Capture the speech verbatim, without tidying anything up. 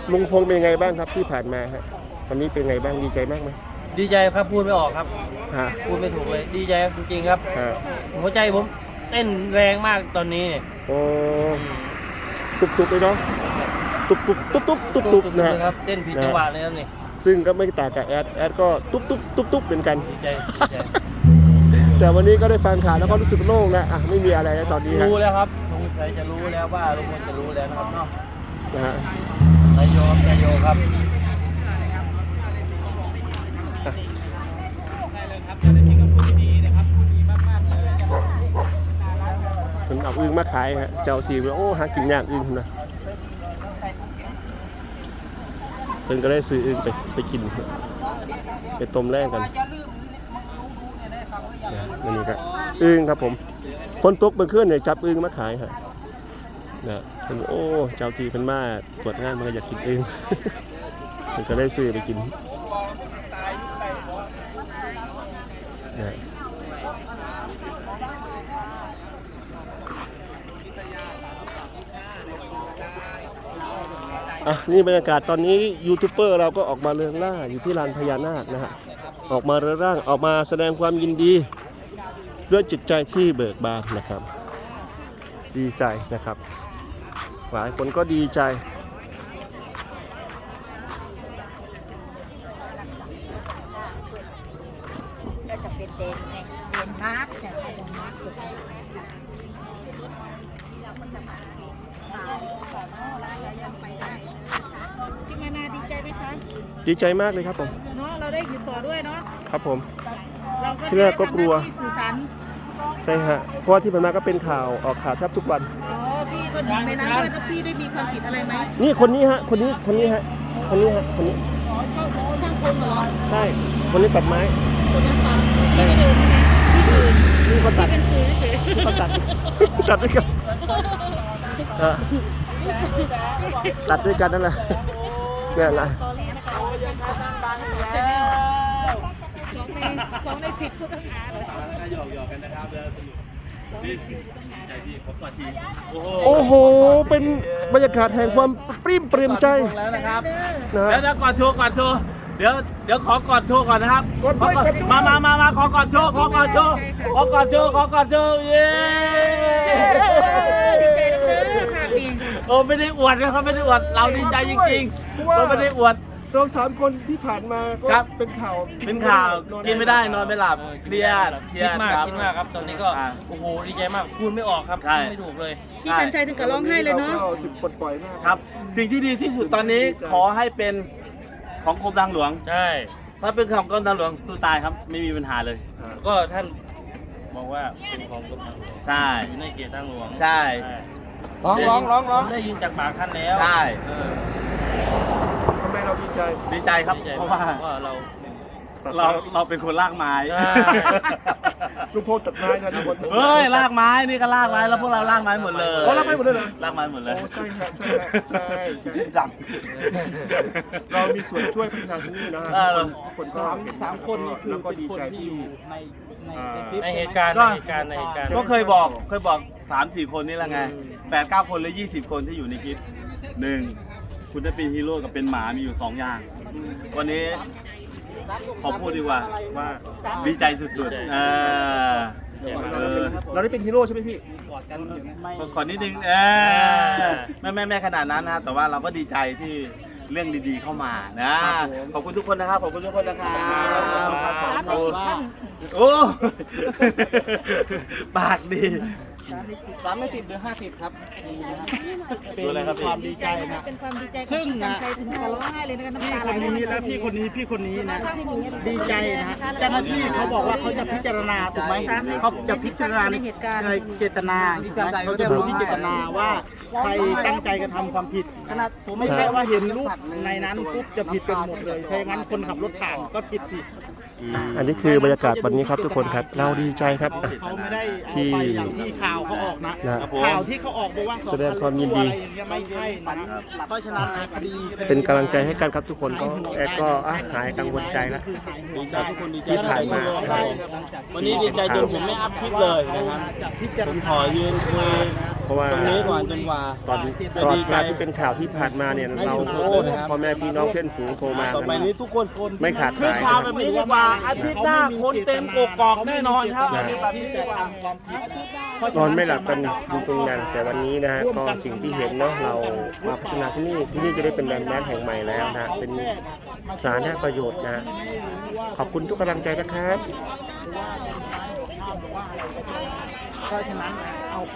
ลุงพงษ์เป็นไงบ้างครับที่ผ่านมาฮะตอนนี้เป็นไงบ้างดีใจมากไหมดีใจครับพูดไม่ออกครับพูดไม่ถูกเลยดีใจจริงๆครับหัวใจผมเต้นแรงมากตอนนี้โอ้ตุบตุบเลยเนาะตุบตุบตุบตุบตุบตุบนะครับเต้นผิดจังหวะเลยครับนี่ซึ่งก็ไม่ต่างกับแอดแอดก็ตุบตุบตุบตุบเหมือนกันดีใจแต่วันนี้ก็ได้ฟังข่าวแล้วก็รู้สึกโล่งนะอ่ะไม่มีอะไรแล้วตอนนี้รู้แล้วครับสงสัยจะรู้แล้วว่าลุงพลจะรู้แล้วนะครับเนาะนะฮะนายโยนายโยครับผมเอาอึ่งมาขายฮะเจ้าทีมโอ้หากินยากอึ่งนะเพิ่นก็ได้ซื้ออึ่งไปไปกินไปต้มแรกกันนี่ครับอึ่งครับผมฝนตกเมื่อคืนเนี่ยจับอึ่งมาขายฮะนะเป็นโอ้เจ้าทีเป็นมาตรวจงานมันก็อยากกินอึ่งเพิ่นก็ได้ซื้อไปกินนะอ่ะนี่บรรยากาศตอนนี้ยูทูบเบอร์เราก็ออกมาเรืองล่าอยู่ที่ลานพญานาคนะฮะออกมาเรืองร่างออกมาแสดงความยินดีด้วยจิตใจที่เบิกบานนะครับดีใจนะครับหลายคนก็ดีใจก็จะเป็นเดนเดนมาร์กแต่เดนมาร์กสุดที่เราก็จะมามาสอนเรายังไปได้พี่มานาดีใจไหมคะดีใจมากเลยครับผมเนาะเราได้อยู่ต่อด้วยเนาะครับผมเราก็ที่แรกก็กลัวสื่อสารใช่ฮะเพราะว่าที่ผ่านมาก็เป็นข่าวออกข่าวแทบทุกวันอ๋อพี่ก็หนึ่งในนั้นด้วยแล้วพี่ได้มีความผิดอะไรไหมนี่คนนี้ฮะคนนี้คนนี้ฮะคนนี้ฮะคนนี้ช่างคนเหรอใช่คนนี้ตัดไม้คนนั้นตัดพี่ไม่ดูนะพี่สื่อนี่ก็ตัดเป็นสื่อเฉยนี่ก็ตัดตัดด้วยกันตัดด้วยกันนั่นแหละนี่แหละสองในสิบผู้ต้องหาเลยหยอกหยอกกันนะครับแล้วนี่ใจที่ผมกอดทีโอ้โหเป็นบรรยากาศแห่งความปลื้มปริ่มใจแล้วนะครับแล้วจะกอดโชว์กอดโชว์เดี๋ยวเดี๋ยวขอกอดโชว์ก่อนนะครับมามามามาขอกอดโชว์ขอกอดโชว์ขอกอดโชว์ขอกอดโชว์เย้ดีใจนะเด้อค่ะพี่โอ้ไม่ได้อวดนะครับไม่ได้อวดเราดีใจจริงๆเราไม่ได้อวดเราสามคนที่ผ่านมาก็เป็นข่าวเป็นข่าวกินไม่ได้นอนไม่หลับเครียดเครียดมากคิดมากครับตอนนี้ก็โอ้โหดีใจมากพูดไม่ออกครับไม่ถูกเลยพี่ชันชัยถึงกับร้องไห้เลยเนาะสุดปลดปล่อยมากครับสิ่งที่ดีที่สุดตอนนี้ขอให้เป็นของกรมทางหลวงใช่ถ้าเป็นของกรมทางหลวงสู้ตายครับไม่มีปัญหาเลยก็ท่านบอกว่าเป็นของกรมทางหลวงใช่อยู่ในเขตทางหลวงใช่ร้องร้องร้องร้องได้ยินจากปากท่านแล้วใช่ทำไมเราดีใจดีใจครับเพราะว่าเราเราเราเป็นคนลากไม้ลูกโพตัดไม้นะทุกคนเฮ้ยลากไม้นี่ก็ลากไม้แล้วพวกเราลากไม้หมดเลยลากไม้หมดเลยเหรอลากไม้หมดเลยใช่ครับใช่ใช่ใช่ดับเรามีส่วนช่วยพัฒนาที่นี่นะคนก็สามคนแล้วก็ดีใจที่ในเหตุการณ์ในเหตุการณ์ในเหตุการณ์ก็เคยบอกเคยบอกสามสี่คนนี่แหละไงแปดเก้าคนหรือยี่สิบคนที่อยู่ในคลิปหนึ่งคุณได้เป็นฮีโร่กับเป็นหมามีอยู่สองอย่างวันนี้ขอพูดดีกว่าว่าดีใจสุดๆเออเราได้เป็นฮีโร่ใช่ไหมพี่กอดกันกอดนิดนึงเออไม่ไม่ไม่ขนาดนั้นนะแต่ว่าเราก็ดีใจที่เรื่องดีๆเข้ามานะขอบคุณทุกคนนะครับขอบคุณทุกคนนะครับโอ้ปากดีสามไม่สิบหรือห้าสิบครับเป็นความดีใจนะเป็นความดีใจซึ่งนะถึงกับร้องไห้เลยนะน้ำตาไหลพี่คนนี้และพี่คนนี้พี่คนนี้นะดีใจนะเจ้าหน้าที่เขาบอกว่าเขาจะพิจารณาถูกไหมเขาจะพิจารณาในเหตุการณ์ในเจตนาเขาจะดูที่เจตนาว่าใครตั้งใจกระทำความผิดขนาดผมไม่ใช่ว่าเห็นรูปในนั้นปุ๊บจะผิดกันหมดเลยถ้าอย่างนั้นคนขับรถผ่านก็ผิดสิอันนี้คือบรรยากาศวันนี้ครับทุกคนครับเราดีใจครับเขาไม่ได้ที่ที่ข่าวเขาออกนะข่าวที่เขาออกบอกว่าแสดงความยินดีไม่ใช่นะเพราะฉะนั้นคดีเป็นกำลังใจให้กันครับทุกคนก็แอดก็หายกังวลใจแล้วที่ผ่านมาวันนี้ดีใจจนผมไม่อัพคลิปเลยนะครับผมขอยืนคุยเพราะว่าตรงนี้ก่อนจนกว่าตอนตลอดเวลาที่เป็นข่าวที่ผ่านมาเนี่ยเราโอ้พ่อแม่พี่น้องเพื่อนฝูงโทรมาต่อไปนี้ทุกคนไม่ขาดคือสายข่าวนะแบบนี้ดีกว่าอาทิตย์หน้าคนเต็มกกอกแน่นอนครับนะ นอนไม่หลับกันอยู่ตรงนั้นแต่วันนี้นะฮะก็สิ่งที่เห็นเนาะเรามาพัฒนาที่นี่ที่นี่จะได้เป็นแลนด์มาร์คแห่งใหม่แล้วนะเป็นสาธารณประโยชน์นะขอบคุณทุกกำลังใจนะครับเพราะฉะนั้นเอา